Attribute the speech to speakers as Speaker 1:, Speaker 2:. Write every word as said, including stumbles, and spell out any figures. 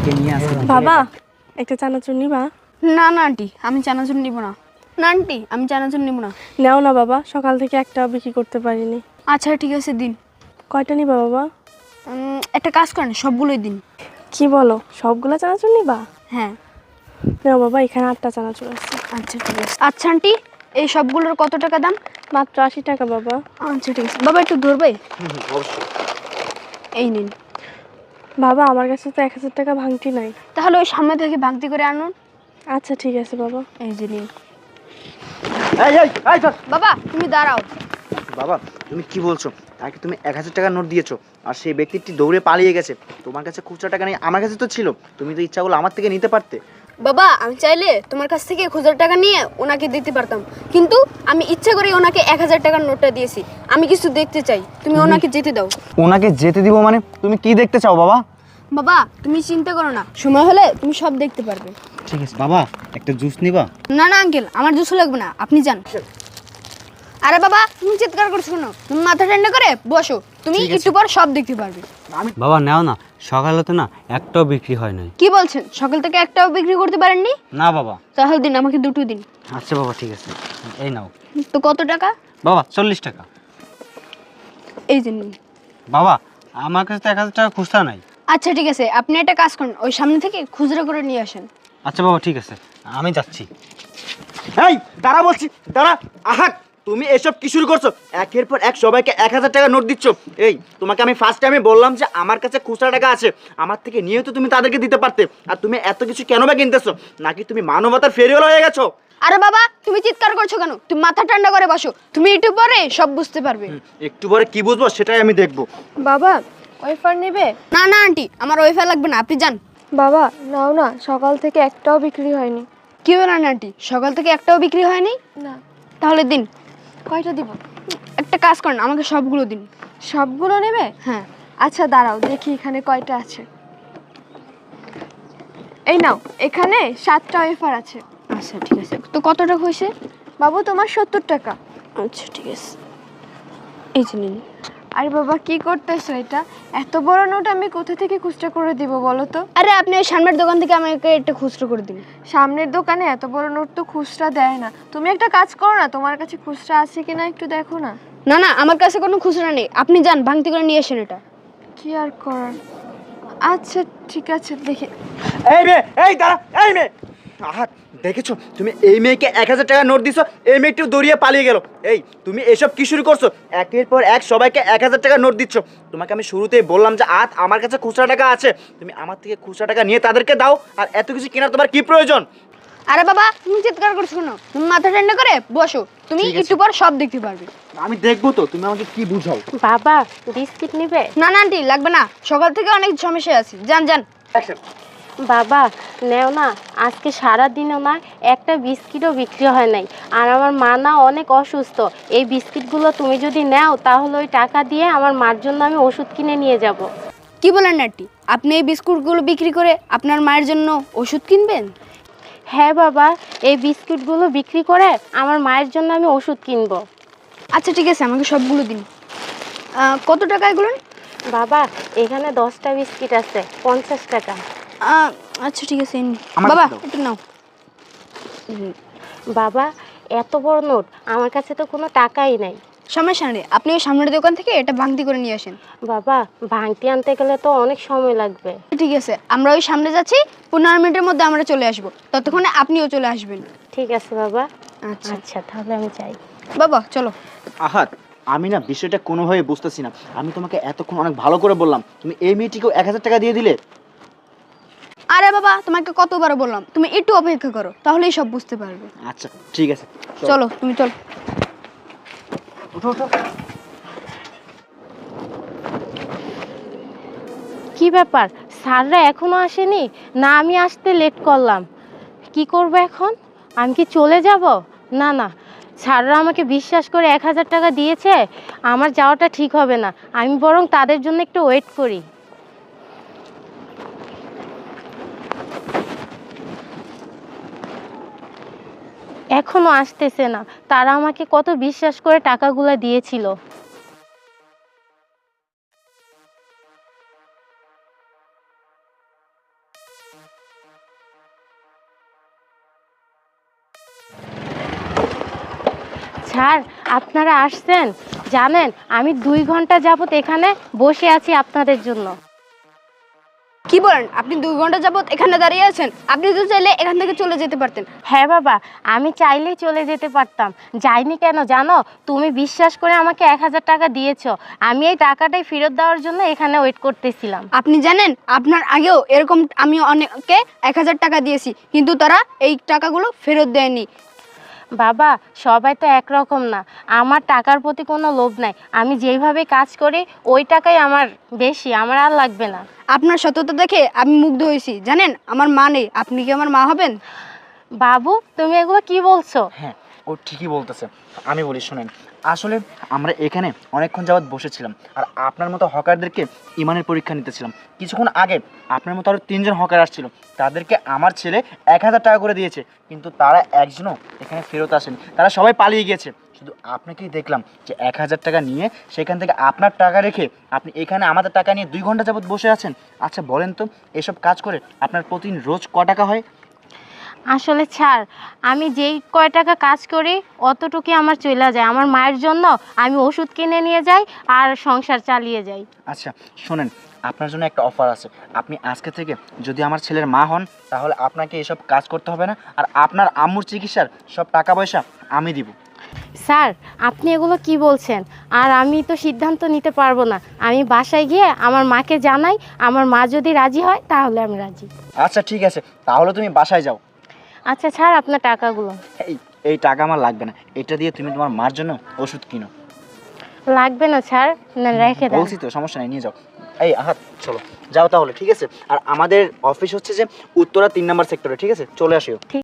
Speaker 1: ওকে নিয়ে আসতে
Speaker 2: বাবা একটা চানাচুর নিবা?
Speaker 3: না না আন্টি, আমি চানাচুর নিব না। না আন্টি, আমি চানাচুর নিব না।
Speaker 2: নাও না বাবা, সকাল থেকে একটাও বিক্রি করতে পারিনি।
Speaker 3: আচ্ছা ঠিক আছে, দিন।
Speaker 2: কয়টা নিবা বাবা?
Speaker 3: উম, একটা কাজ করেন, সবগুলোই দিন।
Speaker 2: কি বলো, সবগুলা চানাচুর নিবা?
Speaker 3: হ্যাঁ।
Speaker 2: নাও বাবা, এখানে আটটা চানাচুর আছে।
Speaker 3: আচ্ছা ঠিক আছে। আচ্ছা আন্টি, এই সবগুলোর কত টাকা দাম?
Speaker 2: মাত্র আশি টাকা বাবা।
Speaker 3: আচ্ছা ঠিক আছে। বাবা একটু ধরবে?
Speaker 1: অবশ্যই।
Speaker 3: এই নিন।
Speaker 2: বাবা আমার কাছে তো এক হাজার টাকা ভাঙতি নাই।
Speaker 3: তাহলে ওই সামনে থেকে ভাঙতি করে আনুন।
Speaker 2: আচ্ছা ঠিক আছে বাবা।
Speaker 3: এই যে নিন।
Speaker 1: এই এই এই চল।
Speaker 3: বাবা তুমি দাঁড়াও।
Speaker 1: বাবা তুমি কি বলছো? তাকে তুমি এক হাজার টাকা নোট দিয়েছো আর সেই ব্যক্তিটি দৌড়ে পালিয়ে গেছে। তোমার কাছে খুচরা টাকা নেই, আমার কাছে তো ছিল। তুমি তো ইচ্ছা করলে আমার থেকে নিতে পারতে।
Speaker 3: বাবা আমি চাইলে তোমার কাছ থেকে খুচরা টাকা নিয়ে ওনাকে দিতে পারতাম, কিন্তু আমি ইচ্ছা করে ওনাকে এক হাজার টাকার নোটটা দিয়েছি। আমি কিছু দেখতে চাই, তুমি ওনাকে যেতে দাও।
Speaker 1: ওনাকে যেতে দিব মানে? তুমি কি দেখতে চাও বাবা?
Speaker 3: বাবা তুমি চিন্তা করো না, সময় হলে তুমি সব দেখতে পারবে।
Speaker 1: ঠিক আছে বাবা, একটা জুস নিবা?
Speaker 3: না না আঙ্কেল, আমার জুস লাগবে না, আপনি যান। আরে বাবা তুমি চিৎকার করছো কেন? তুমি মাথা ঠান্ডা করে বসো, তুমি একটু পর সব দেখতে পারবে।
Speaker 4: বাবা নাও না, সকালে তো না একটাও বিক্রি হয় নাই।
Speaker 3: কি বলছেন, সকাল থেকে একটাও বিক্রি করতে পারেননি?
Speaker 4: না বাবা।
Speaker 3: তাহলে দিন, আমাকে দুটো দিন।
Speaker 4: আচ্ছা বাবা ঠিক আছে, এই নাও।
Speaker 3: তো কত টাকা?
Speaker 4: বাবা চল্লিশ টাকা।
Speaker 3: এই যে নিন।
Speaker 4: বাবা আমার কাছে তো এক হাজার টাকা খুচরা নাই।
Speaker 3: আচ্ছা ঠিক আছে, আপনি একটা কাজ করুন, ওই সামনে থেকে খুচরো করে নিয়ে আসেন।
Speaker 4: আচ্ছা বাবা ঠিক আছে, আমি যাচ্ছি।
Speaker 1: এই দাঁড়া বলছি, দাঁড়া। আহা, তুমি এসব কি শুরু করছো? একের পর এক সবাইকে এক হাজার টাকা নোট দিচ্ছ। এই তোমাকে আমি ফার্স্ট টাইমে বললাম যে আমার কাছে খুচরা টাকা আছে, আমার থেকে নিয়েও তো তুমি তাদেরকে দিতে পারতে। আর তুমি এত কিছু কেন বা কিনতেছো? নাকি তুমি মানবতার ফেরিওয়ালা হয়ে গেছো?
Speaker 3: আরে বাবা তুমি চিৎকার করছো কেন? তুমি মাথা ঠান্ডা করে বসো, তুমি একটু পরে সব বুঝতে পারবে।
Speaker 1: একটু পরে কি বুঝবো সেটাই আমি দেখবো।
Speaker 2: বাবা ওয়েফার নেবে?
Speaker 3: না না আন্টি, আমার ওয়াইফাই লাগবে না, আপনি যান।
Speaker 2: বাবা নাও না, সকাল থেকে একটাও বিক্রি হয়নি।
Speaker 3: কি বলেন আন্টি, সকাল থেকে একটাও বিক্রি হয়নি?
Speaker 2: না।
Speaker 3: তাহলে দিন।
Speaker 2: কয়টা দিব?
Speaker 3: একটা কাজ করেন, আমাকে সবগুলো দিন।
Speaker 2: সবগুলো নেবে?
Speaker 3: হ্যাঁ।
Speaker 2: আচ্ছা দাঁড়াও দেখি এখানে কয়টা আছে। এই নাও, এখানে সাতটা ওয়েফার আছে।
Speaker 3: আচ্ছা ঠিক আছে, তো কত টাকা হয়েছে?
Speaker 2: বাবু তোমার সত্তর টাকা।
Speaker 3: আচ্ছা ঠিক আছে, এই যে নিন।
Speaker 2: আরে বাবা কি করতেছো এটা? এত বড় নোট আমি কোথা থেকে খুচরা করে দিব বলো তো?
Speaker 3: আরে আপনি ওই সামনের দোকান থেকে আমাকে একটা খুচরো করে দিন।
Speaker 2: সামনের দোকানে এত বড় নোট তো খুচরা দেয় না। তুমি একটা কাজ করো না, তোমার কাছে খুচরা আছে কিনা একটু দেখো না।
Speaker 3: না না, আমার কাছে কোনো খুচরা নেই, আপনি যান ভাঙতি করে নিয়ে আসেন এটা।
Speaker 2: কি আর করার। আচ্ছা ঠিক আছে দেখি।
Speaker 1: এই মেয়ে, এই দাঁড়া, এই মেয়ে। আহা, দেখেছো তুমি এই মেয়েকে এক হাজার টাকা নোট দিছো, এই মেয়েটি দৌড়িয়ে পালিয়ে গেল। এই তুমি এসব কি শুরু করছো? একের পর এক সবাইকে এক হাজার টাকা নোট দিচ্ছ। তোমাকে আমি শুরুতেই বললাম যে আজ আমার কাছে খুচরা টাকা আছে, তুমি আমার থেকে খুচরা টাকা নিয়ে তাদেরকে দাও। আর এত কিছু কেনার তোমার কি প্রয়োজন?
Speaker 3: আরে বাবা তুমি চিৎকার করছো কেন? তুমি মাথা ঠান্ডা করে বসো, তুমি
Speaker 1: ঠিক আছে।
Speaker 3: একটু পর সব দেখতে পারবে।
Speaker 1: আমি দেখবো তো, তুমি আমাকে কি বুঝাও।
Speaker 2: বাবা বিস্কিট নেবে?
Speaker 3: না না আন্টি লাগবে না, সকাল থেকে অনেক সমস্যা আছে, যান যান।
Speaker 5: বাবা নেও না, আজকে সারা দিনও না একটা বিস্কিটও বিক্রি হয় নাই। আর আমার মা না অনেক অসুস্থ, এই বিস্কিটগুলো তুমি যদি নাও তাহলে ওই টাকা দিয়ে আমার মার জন্য আমি ওষুধ কিনে নিয়ে যাব।
Speaker 3: কি বলেন আন্টি, আপনি এই বিস্কুটগুলো বিক্রি করে আপনার মায়ের জন্য ওষুধ কিনবেন?
Speaker 5: হ্যাঁ বাবা, এই বিস্কিটগুলো বিক্রি করে আমার মায়ের জন্য আমি ওষুধ কিনবো।
Speaker 3: আচ্ছা ঠিক আছে, আমাকে সবগুলো দিন। আহ, কত টাকা এগুলো?
Speaker 5: বাবা এখানে দশটা বিস্কিট আছে, পঞ্চাশ টাকা।
Speaker 3: আহ, আচ্ছা ঠিক আছে, এই নিন।
Speaker 1: আমার
Speaker 3: বাবা
Speaker 1: কাছে দাও।
Speaker 3: একটু নাও।
Speaker 5: বাবা এত বড় নোট, আমার কাছে তো কোনো টাকাই নাই।
Speaker 3: সমস্যা নেই, আপনি ওই সামনের দোকান থেকে এটা ভাঙতি করে নিয়ে আসেন।
Speaker 5: বাবা ভাঙতি আনতে গেলে তো অনেক সময় লাগবে।
Speaker 3: ঠিক আছে, আমরা ওই সামনে যাচ্ছি, পনেরো মিনিটের মধ্যে আমরা চলে আসবো, ততক্ষণে আপনিও চলে আসবেন।
Speaker 5: ঠিক আছে বাবা।
Speaker 3: আচ্ছা
Speaker 5: আচ্ছা তাহলে আমি যাই।
Speaker 3: বাবা চলো।
Speaker 1: আহাত, আমি না বিষয়টা কোনোভাবে বুঝতেছি না। আমি তোমাকে এতক্ষণ অনেক ভালো করে বললাম, তুমি এই মেয়েটিকেও এক হাজার টাকা দিয়ে দিলে।
Speaker 3: আরে বাবা তোমাকে কতবার বললাম, তুমি একটু অপেক্ষা করো, তাহলেই সব বুঝতে পারবে।
Speaker 1: আচ্ছা ঠিক আছে,
Speaker 3: চলো তুমি চলো।
Speaker 1: উঠো উঠো।
Speaker 5: কি ব্যাপার, স্যাররা এখনো আসেনি? না আমি আসতে লেট করলাম, কি করব এখন? আমি কি চলে যাব? না না, স্যাররা আমাকে বিশ্বাস করে এক হাজার টাকা দিয়েছে, আমার যাওয়াটা ঠিক হবে না। আমি বরং তাদের জন্য একটু ওয়েট করি। এখনো আসতেছে না, তারা আমাকে কত বিশ্বাস করে টাকাগুলো দিয়েছিল। স্যার আপনারা আসছেন, জানেন আমি দুই ঘন্টা যাবত এখানে বসে আছি আপনাদের জন্য।
Speaker 3: কি বলেন, আপনি দুই ঘন্টা যাবত এখানে দাঁড়িয়ে আছেন? আপনি তো চাইলে এখান থেকে চলে যেতে পারতেন।
Speaker 5: হ্যাঁ বাবা, আমি চাইলেই চলে যেতে পারতাম, যাইনি কেন জানো? তুমি বিশ্বাস করে আমাকে এক হাজার টাকা দিয়েছো, আমি এই টাকাটাই ফেরত দেওয়ার জন্য এখানে ওয়েট করতেছিলাম।
Speaker 3: আপনি জানেন আপনার আগেও এরকম আমি অনেককে এক হাজার টাকা দিয়েছি, কিন্তু তারা এই টাকাগুলো ফেরত দেয়নি।
Speaker 5: বাবা সবাই তো একরকম না, আমার টাকার প্রতি কোনো লোভ নাই, আমি যেইভাবে কাজ করি ওই টাকাই আমার বেশি, আমার আর লাগবে না।
Speaker 3: আপনার সততা দেখে আমি মুগ্ধ হয়েছি। জানেন আমার মা নেই, আপনি কি আমার মা হবেন?
Speaker 5: বাবু তুমি এগুলো কি বলছো?
Speaker 1: হ্যাঁ, ও ঠিকই বলতেছে। আমি বলি শোনেন, আসলে আমরা এখানে অনেকক্ষণ যাবৎ বসেছিলাম আর আপনার মতো হকারদেরকে ইমানের পরীক্ষা নিতেছিলাম। কিছুক্ষণ আগে আপনার মতো আরও তিনজন হকার আসছিল, তাদেরকে আমার ছেলে এক হাজার টাকা করে দিয়েছে, কিন্তু তারা একজনও এখানে ফেরত আসেনি, তারা সবাই পালিয়ে গিয়েছে। শুধু আপনাকেই দেখলাম যে এক হাজার টাকা নিয়ে সেখান থেকে আপনার টাকা রেখে আপনি এখানে আমাদের টাকা নিয়ে দুই ঘন্টা যাবৎ বসে আছেন। আচ্ছা বলেন তো, এসব কাজ করে আপনার প্রতিদিন রোজ ক টাকা হয়?
Speaker 5: আসলে স্যার আমি যেই কয় টাকা কাজ করি অতটুকুই আমার চলে যায়, আমার মায়ের জন্য আমি ওষুধ কিনে নিয়ে যাই আর সংসার চালিয়ে যাই।
Speaker 1: আচ্ছা শোনেন, আপনার জন্য একটা অফার আছে। আপনি আজকে থেকে যদি আমার ছেলের মা হন তাহলে আপনাকে এসব কাজ করতে হবে না, আর আপনার আম্মুর চিকিৎসার সব টাকা পয়সা আমি দিব।
Speaker 5: স্যার আপনি এগুলো কি বলছেন? আর আমি তো সিদ্ধান্ত নিতে পারবো না, আমি বাসায় গিয়ে আমার মাকে জানাই, আমার মা যদি রাজি হয় তাহলে আমি রাজি।
Speaker 1: আচ্ছা ঠিক আছে, তাহলে তুমি বাসায় যাও।
Speaker 5: আচ্ছা স্যার আপনার টাকাগুলো।
Speaker 1: এই এই টাকা আমার লাগবে না, এটা দিয়ে তুমি তোমার মার জন্য ওষুধ কিনো।
Speaker 5: লাগবে না স্যার, না রেখে দেন।
Speaker 1: বলছি তো, সমস্যা নেই, নিয়ে যাও। এই আহাত চলো যাও তাহলে, ঠিক আছে? আর আমাদের অফিস হচ্ছে যে উত্তরা তিন নম্বর সেক্টরে, ঠিক আছে? চলে আসিও।